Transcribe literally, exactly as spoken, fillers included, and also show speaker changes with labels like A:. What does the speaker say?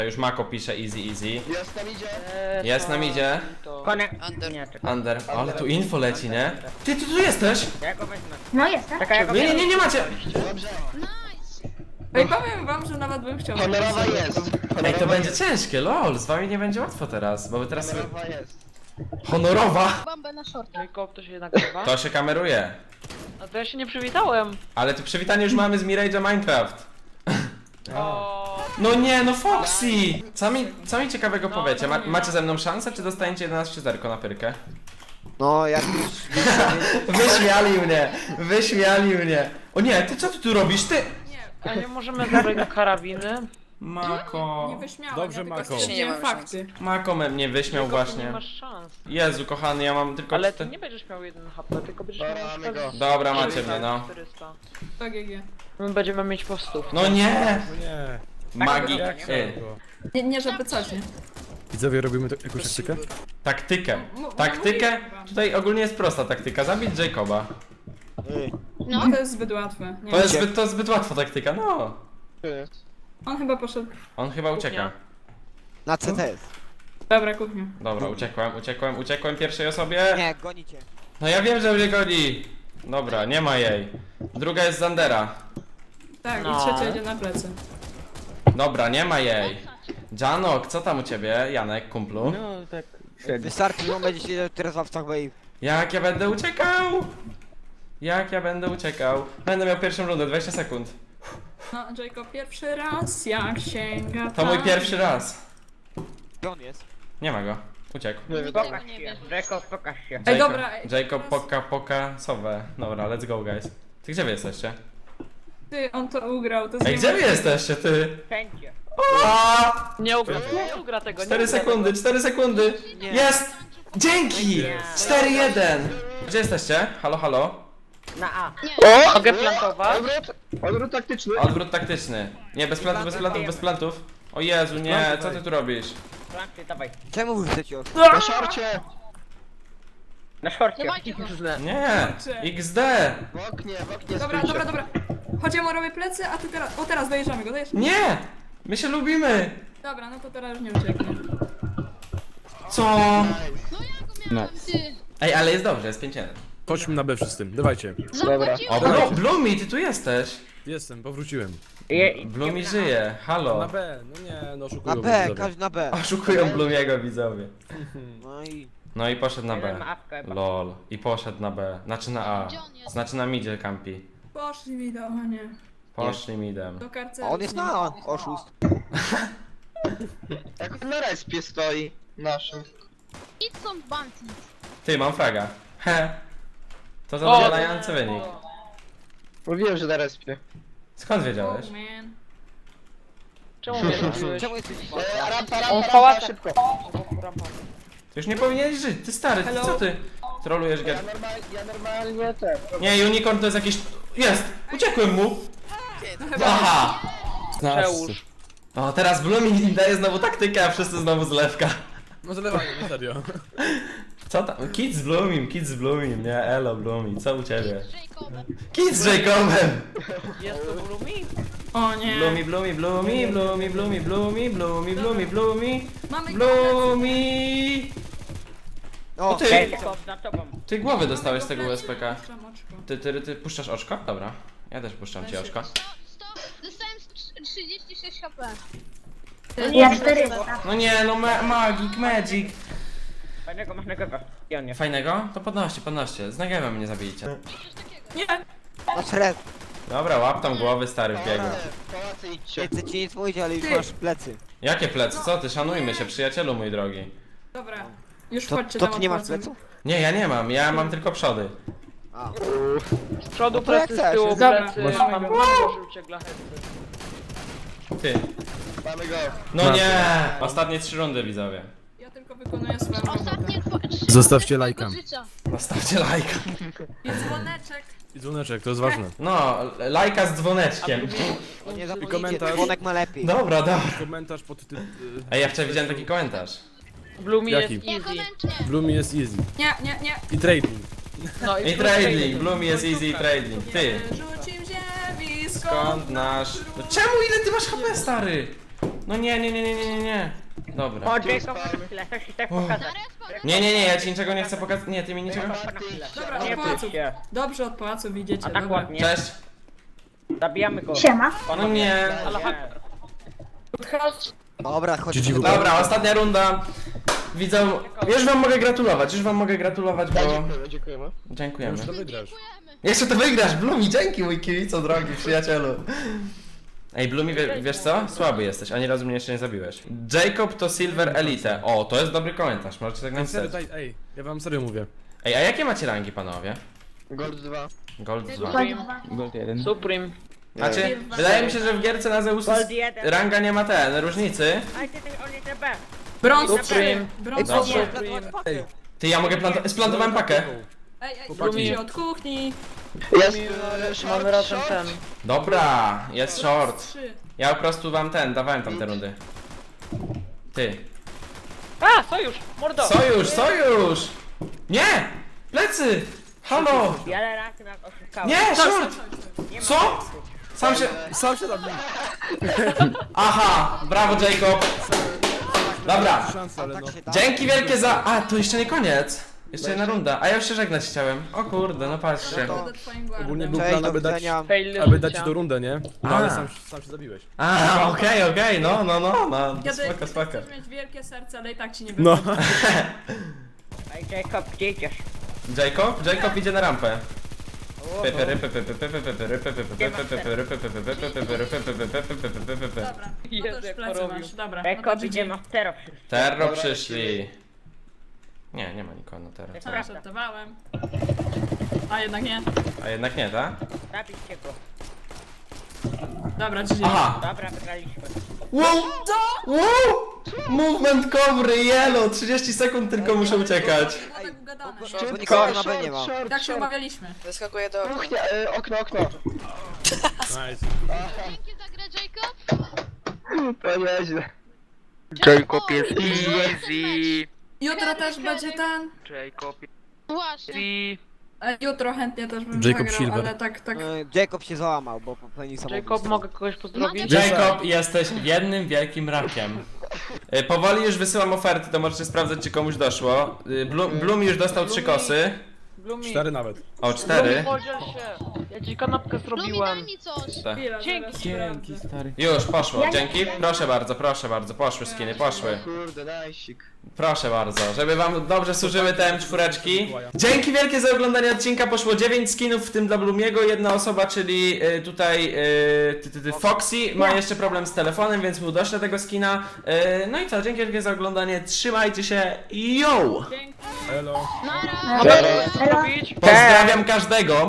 A: Już Mako pisze easy, easy.
B: Jest tam idzie.
A: Jest nam idzie.
C: Konek.
D: Under.
C: Nie, czekaj.
A: Under. Ale tu info leci, nie? Ty, ty tu jesteś!
C: Ja go wezmę.
E: No jestem.
C: Czekaj, ja go
A: Nie, nie, nie, nie macie!
B: Dobrze.
F: Ej, powiem wam, że nawet bym chciał.
B: Honorowa jest. Honorowa
A: Ej, to będzie
B: jest.
A: ciężkie, lol. Z wami nie będzie łatwo teraz, bo wy teraz sobie...
B: Honorowa jest.
A: Honorowa!
D: Bombę na short.
C: Jacob, to się nagrywa?
A: To się kameruje.
C: No to ja się nie przywitałem.
A: Ale tu przywitanie już mamy z Mirage'a Minecraft.
C: O.
A: No nie, no Foxy! Co mi, co mi ciekawego
C: No,
A: powiecie? Ma,
C: no nie.
A: macie ze mną szansę, czy dostaniecie jedenaście zerko na pyrkę?
B: No jak już...
A: Wyśmiali mnie! Wyśmiali mnie! O nie, ty co ty tu robisz? Ty!
C: A nie możemy zabrać na karabiny?
A: Mako...
F: Nie wyśmiałem,
G: Dobrze,
F: ja tylko
G: Mako.
F: stwierdziłem
D: Nie mamy
F: fakty.
A: Mako me mnie wyśmiał
C: Jacob,
A: właśnie.
C: Nie masz szans.
A: Jezu kochany, ja mam tylko...
C: Ale
A: czte-
C: ty nie będziesz miał jeden H P, tylko będziesz
B: Dobra,
C: miał na
B: mamy
C: przykład
B: go.
A: Dobra, macie mnie, no.
C: czterysta.
F: To G G.
C: My będziemy mieć po stówce.
A: No nie!
G: No nie.
A: Magik.
G: Jak
A: Ty.
G: go?
F: Nie, nie żeby coś, nie?
G: Widzowie, robimy to, jakąś taktykę?
A: Taktykę.
F: No, no
A: Taktykę?
F: mówiłem wam.
A: Tutaj ogólnie jest prosta taktyka. Zabić Jacoba.
F: No to jest zbyt łatwe. Nie
A: To jest zbyt, to zbyt łatwa taktyka, no.
F: On chyba poszedł.
A: On chyba ucieka.
B: Na C T jest.
F: Dobra, kuchnia.
A: Dobra, uciekłem, uciekłem, uciekłem pierwszej osobie.
B: Nie, gonicie.
A: No ja wiem, że mnie goni. Dobra, nie ma jej. Druga jest Zandera.
F: Tak,
C: No.
F: i trzecia idzie na plecy.
A: Dobra, nie ma jej. Janok, co tam u ciebie? Janek, kumplu?
C: No tak.
B: Wystarczy, że on będzie siedział teraz w awcach wave.
A: Jak ja będę uciekał? Jak ja będę uciekał? Będę miał pierwszą rundę, dwadzieścia sekund.
F: No, Jacob pierwszy raz, jak sięga
A: To mój
F: tam.
A: pierwszy raz.
B: Gdzie on jest?
A: Nie ma go. Uciekł.
C: Pokaż się. Jacob, pokaż się.
F: Ej,
A: Jacob-
F: dobra, ej,
A: Jacob
F: teraz-
A: poka poka sowę. Dobra, let's go guys. Ty gdzie wy jesteście?
F: Ty, on to ugrał, to jest
A: Ej, gdzie wy jesteście, ty?
C: Wszędzie.
A: Aaaa!
C: Nie ugra, nie ugra tego. nie
A: cztery
C: ugra
A: sekundy,
C: tego.
A: cztery sekundy! Jest! Dzięki! cztery jeden! Gdzie jesteście? Halo, halo?
C: Na A.
B: O!
C: Mogę plantować?
B: Odwrót! Odwrót taktyczny.
A: Odwrót taktyczny. Nie, bez plantów, bez plantów, bez plantów. O Jezu, nie, co ty tu robisz?
C: Planty, dawaj.
B: Czemu wy chcecie od...
F: Na
B: szorcie!
C: Na szorcie.
D: Dawajcie go.
A: Nie! X D!
B: W oknie, w oknie
F: Dobra,
B: stójcie.
F: dobra, dobra. Chodź, ja mu robię plecy, a ty teraz... O, teraz dojeżdżamy go, dojeżdżamy.
A: Nie! My się lubimy!
F: Dobra, no to teraz już nie ucieknie.
A: Co?
D: No ja go miałem, ty.
A: Ej, ale jest dobrze, jest pięć jeden.
G: Chodźmy na B wszyscy, dawajcie.
D: Zapłaciłem.
A: O, Blu- Blumi, ty tu jesteś!
G: Jestem, powróciłem.
A: Blumi żyje,
G: Na
A: halo.
G: B, no nie, no
B: Na
G: oszukują mnie
B: B,
G: widzowie.
B: każdy na B.
A: Oszukują Blumiego widzowie.
B: No i...
A: No i poszedł na
C: Jeden
A: B.
C: ma apkę.
A: Lol. I poszedł na B. Znaczy na A.
D: Gdzie on jest?
A: Znaczy na midzie campi.
F: Poszli mi do... O nie.
A: Poszli midem.
F: Do karceru.
B: A on jest na A, oszust.
H: Jak na respie stoi naszym.
D: Idź są bounty.
A: Ty, mam fraga. He. To zadowalający wynik.
H: Mówiłem, że na respie.
A: Skąd wiedziałeś?
F: Oh, man.
C: Czemu mnie zrobiłeś?
B: Czemu jesteś...
H: E, rampa,
C: On
H: rampa, rampa,
C: pałaca.
H: szybko.
A: Ty już nie powinieneś żyć, ty stary, ty
F: Hello?
A: co ty? Trolujesz
H: Ja,
A: gier.
H: normal, ja normalnie ten.
A: Nie, unicorn to jest jakiś... Jest! Uciekłem mu! Aha!
C: Przełóż.
A: O, teraz Blumi daje znowu taktykę, a wszyscy znowu zlewka.
G: No zalewanie, no serio.
A: Co tam? Kids z Blumim, kids z Blumim, nie? Elo Blumi, co u ciebie?
D: Z Jacobem.
A: Kids z Jacobem!
C: Jest to Blumi?
F: O nie.
A: Blumi, Blumi, Blumi, Blumi, Blumi, Blumi, Blumi, Blumi, Blumi,
F: Mamy go.
A: Blumi!
B: O,
A: O ty!
C: Jacob, za tobą.
A: Ty głowy
F: Mamy
A: dostałeś
F: go
A: z tego
F: w
A: U S
F: plecy,
A: P K.
F: puszczam oczko.
A: Ty, ty, ty puszczasz oczko? Dobra. Ja też puszczam ci oczko.
D: sto, sto, dostałem trzydzieści sześć H P.
E: Ja czterysta.
A: No nie, no ma Magic, Magic.
C: Fajnego masz na górze. I on jest.
A: Fajnego? To podnoście, podnoście. Z Negemem mnie zabijcie.
F: Nie.
B: na szred.
A: Dobra, łap tam głowy stary w biegu.
H: Pałace, pałace idźcie.
B: Nie chcę ci nic mówić, ale już
F: Ty.
B: masz plecy.
A: Jakie plecy? Co ty? Szanujmy się, przyjacielu mój drogi.
F: Dobra. Już
B: To,
F: chodźcie
B: to
F: tam
B: ty nie masz
F: odpłacę.
B: pleców?
A: Nie, ja nie mam, ja mam tylko przody.
B: A.
C: Z przodu
B: No to jak
C: plecy, z
B: chcesz.
C: tyłu
F: Dobra.
C: plecy.
F: Masz-
C: Mam dużo żółcie glachety.
A: Ty.
H: Mamy go.
A: No nie! Ostatnie trzy rundy widzowie.
F: Ja tylko wykonuję swoją robotę.
D: Ostatnie dwa, trzy
G: Zostawcie
D: minuty
G: lajka.
D: mojego życia.
A: Zostawcie lajka.
F: I dzwoneczek.
G: I dzwoneczek, to jest ważne.
A: No, lajka z dzwoneczkiem.
B: Nie
G: I
B: zapomnijcie,
G: komentarz.
B: dzwonek ma lepiej.
A: Dobra, dobra.
G: Komentarz pod tym...
A: Ej, ja wczoraj widziałem taki komentarz.
C: Blumi jest
G: Jaki?
D: Nie,
C: easy.
D: komencznie.
G: Blumi jest easy.
F: Nie, nie, nie.
G: I trading.
C: No
A: I trading, Bloom jest easy trading. Ty.
F: Rzucim ziemi,
A: Skąd nasz... No czemu ile ty masz H P stary? No nie, nie, nie, nie, nie, nie, nie. Dobra.
C: O, Jacob, chwilę, chcesz ci coś pokazać.
D: Na respa,
A: Nie, nie, nie, ja ci niczego nie chcę pokazać. Nie, ty mi niczego...
F: Dobra,
C: Nie
F: od pałaców.
C: bój się.
F: Dobrze, od pałaców idziecie,
C: A tak
F: dobra.
C: ładnie.
A: Cześć.
C: Zabijamy go.
E: Siema.
A: No nie.
C: Ale chodź.
B: Dobra, chodź.
G: G G W.
A: Dobra, ostatnia runda. Widzę... Już wam mogę gratulować, już wam mogę gratulować, bo...
H: Dziękujemy, dziękujemy.
A: Dziękujemy.
G: Już to wygrasz.
D: dziękujemy.
A: Jeszcze to wygrasz, Blumi, dzięki mój kibico drogi, przyjacielu. Ej, Blumi, wie, wiesz co? Słaby jesteś, ani razu mnie jeszcze nie zabiłeś. Jacob to Silver Elite. O, to jest dobry komentarz, możecie tak
G: Ej, serio,
A: napisać.
G: daj, ej, ja wam serio mówię.
A: Ej, a jakie macie rangi, panowie?
H: Gold dwa.
A: Gold dwa.
C: Supreme. Supreme.
A: Znaczy, wydaje mi się, że w gierce na Zeusy
C: Gold jeden.
A: ranga nie ma ten, różnicy.
C: Aj, ty, ty, on jest B.
F: Brąz
C: Supreme.
F: trzy. Brąz
A: Dobra.
F: trzy.
G: Ej,
A: Ty, ja mogę plantować, splantować pakę.
F: Ej, ej,
G: Chłopaki.
F: lubicie od kuchni.
H: Jest
C: Mamy
H: e, short,
C: razem
H: short.
C: ten.
A: Dobra, jest short.
F: Trzy.
A: Ja po prostu wam ten, dawałem tam te rundy. Ty.
C: A, sojusz, mordo.
A: Sojusz, sojusz! Nie! Plecy! Halo!
C: Wiele razy nas oszukałem.
A: Nie, short!
C: Nie ma
A: Co?
C: sensu.
A: Sam się...
G: Sam się zabił.
A: Aha! Brawo, Jacob! Dobra,
G: Szansa, ale no.
B: Tak się da.
A: dzięki wielkie za... A, to jeszcze nie koniec! Jeszcze jedna runda, a ja już się żegnać chciałem. O kurde, no patrzcie.
B: No to-
F: Będę twoim
G: Ogólnie
F: guardem.
G: był
B: Cześć,
G: plan,
B: do
G: aby dać,
B: widzenia.
C: Fail
G: aby dać
C: życia.
G: ci do rundę, nie? No
A: A.
G: ale sam, sam się zabiłeś.
A: A, okej, okej, no, no, no, no.
F: Kiedy
A: Spoko, spoko.
F: chcesz mieć wielkie serce, ale i tak ci nie
G: No.
F: wychodzi.
C: Ej, Jacob, gdzie idziesz?
A: Jacob? Jacob idzie na rampę.
C: O,
A: Pepery, pepery, pepery, pepery, pepery, pepery, pepery, pepery, pepery, pepery, pepery, pepery.
F: Dobra, no
C: Jezu,
F: to już
C: jak
F: plecy
C: porobił.
F: masz, dobra. No
C: Jacob
F: to
C: idzie
F: G G.
C: na stero wszyscy.
A: Terro
H: Dobra,
A: przyszli. Nie, nie ma nikogo na terro.
F: Dobra, żartowałem. A jednak nie.
A: A jednak nie, tak?
C: Zabijcie go.
F: Dobra, G G.
A: Aha!
C: Dobra, wygraliśmy.
A: Wow! Wow! Movement covery, yellow! trzydzieści sekund tylko muszę uciekać.
F: Było tak ugadane.
B: Bo
F: nie?
B: nikogo na B nie ma.
H: short,
F: Tak się
H: short.
F: umawialiśmy.
H: Kuchnia, e, okno, okno.
G: Nice.
D: Dzięki za grę, Jacob.
H: To nieźle.
D: Jacob jest
H: easy.
F: Jutro też będzie ten.
D: Właśnie.
F: E, Jutro chętnie też bym
G: Jacob
F: zagrał,
G: Silver.
F: ale tak, tak.
B: E, Jacob się załamał, bo popełnił samobójstwo.
C: Jacob, mogę kogoś pozdrowić?
A: Jacob, jesteś jednym wielkim rakiem. Y, Powoli już wysyłam oferty, to możecie sprawdzać, czy komuś doszło. Y, Blum, Blum już dostał trzy kosy.
C: Blumi.
G: Cztery nawet.
A: O, cztery.
C: Podziel się. Ja ci kanapkę
D: Lumi,
C: zrobiłem.
D: daj mi coś.
A: Tak.
F: Chwila,
C: Dzięki.
F: zaraz sprawdzę.
A: Już, poszło, dzięki. Proszę bardzo, proszę bardzo, poszły skiny, poszły.
H: Kurde, najsik.
A: Proszę bardzo, żeby wam dobrze służyły te M cztery. Dzięki wielkie za oglądanie odcinka, poszło dziewięć skinów, w tym dla Blumiego. Jedna osoba, czyli y, tutaj y, ty, ty, ty, Foxy, ma jeszcze problem z telefonem, więc mu doślę tego skina. Y, no i co, dzięki wielkie za oglądanie, trzymajcie się, yo!
F: Dzięki.
G: Elo.
D: Nara.
C: Mogę
H: Cześć.
C: kogoś pozdrowić?
A: Pozdrawiam każdego.